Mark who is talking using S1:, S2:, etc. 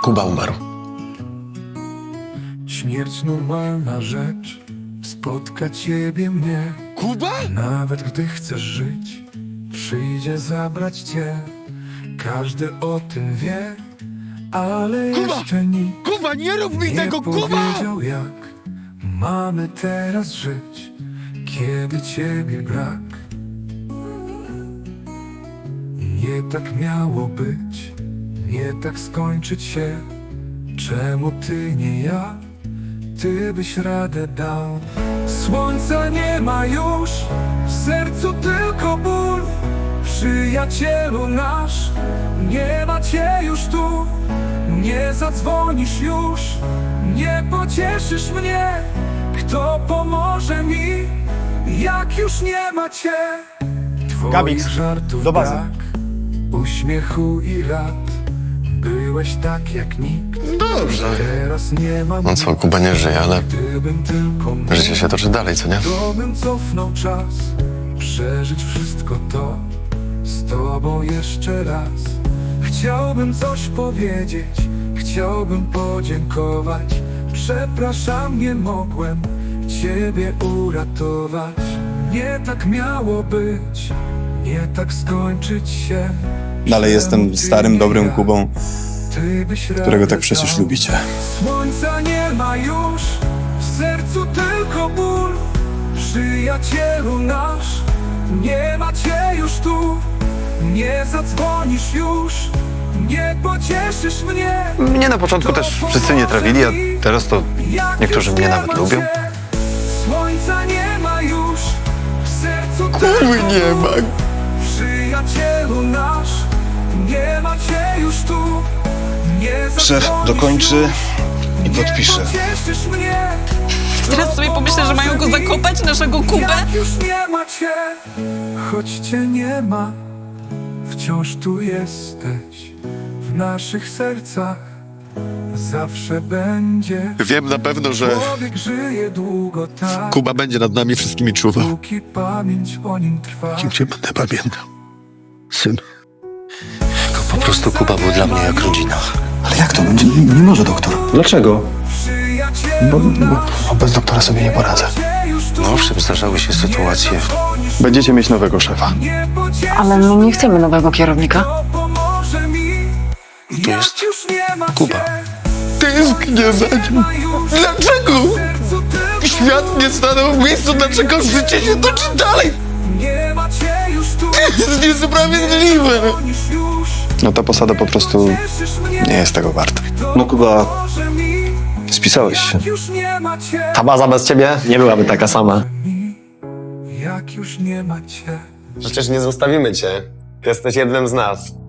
S1: Kuba umarł.
S2: Śmierć normalna rzecz, spotka ciebie mnie.
S1: Kuba?
S2: Nawet gdy chcesz żyć, przyjdzie zabrać cię. Każdy o tym wie, ale
S1: Kuba!
S2: jeszcze nikt
S1: Kuba, nie rób mi
S2: nie
S1: tego, Kuba!
S2: powiedział, jak mamy teraz żyć, kiedy ciebie brak. Nie tak miało być, nie tak skończyć się. Czemu ty nie ja? Ty byś radę dał. Słońca nie ma już, w sercu tylko ból. Przyjacielu nasz, nie ma cię już tu. Nie zadzwonisz już, nie pocieszysz mnie. Kto pomoże mi, jak już nie ma cię? Twoich
S3: Gabix,
S2: żartów
S3: do bazy.
S2: brak, uśmiechu i lat. Byłeś tak jak nikt.
S1: Dobrze.
S2: Teraz nie mam
S1: No co, Kuba nie żyje, ale
S2: Gdybym tylko mógł,
S1: życie się toczy dalej, co nie?
S2: to bym cofnął czas, przeżyć wszystko to z tobą jeszcze raz. Chciałbym coś powiedzieć, chciałbym podziękować. Przepraszam, nie mogłem ciebie uratować. Nie tak miało być, nie tak skończyć się.
S3: Dalej jestem starym, dobrym Kubą,
S2: Ty byś
S3: którego
S2: radę
S3: tak przecież
S2: dał.
S3: lubicie.
S2: Słońca nie ma już, w sercu tylko ból. Przyjacielu nasz, nie ma cię już tu. Nie zadzwonisz już, nie pocieszysz mnie.
S1: Mnie na początku też wszyscy nie trawili, a teraz to niektórzy mnie nawet lubią.
S2: Słońca nie ma już, w sercu
S1: Kurwy
S2: tylko
S1: nie ma.
S2: ból. Przyjacielu nasz, nie ma cię już tu. Nie
S3: Szef dokończy i podpisze.
S4: Teraz sobie pomyślę, że mają go zakopać, naszego Kubę.
S2: Jak już nie ma cię, choć cię nie ma, wciąż tu jesteś, w naszych sercach zawsze będzie.
S1: Wiem na pewno, że
S2: Człowiek żyje długo tak,
S1: Kuba będzie nad nami wszystkimi czuwał.
S2: póki pamięć o nim trwa.
S1: Cię będę pamiętał. Syn. Po prostu Kuba był dla mnie jak rodzina.
S3: Ale jak to? Nie może doktor. Dlaczego?
S2: Przyjacielu
S3: Bo bez doktora sobie nie poradzę.
S1: No owszem, zdarzały się sytuacje.
S3: Będziecie mieć nowego szefa.
S4: Ale my nie chcemy nowego kierownika.
S1: Tu jest Kuba. Tęsknię za nim. Dlaczego? Świat nie stanął w miejscu, dlaczego życie się toczy dalej? To jest niesprawiedliwe.
S3: No ta posada po prostu nie jest tego warta. No Kuba, spisałeś się.
S5: Ta baza bez ciebie nie byłaby taka sama.
S2: Jak już nie ma cię.
S5: Przecież nie zostawimy cię. Jesteś jednym z nas.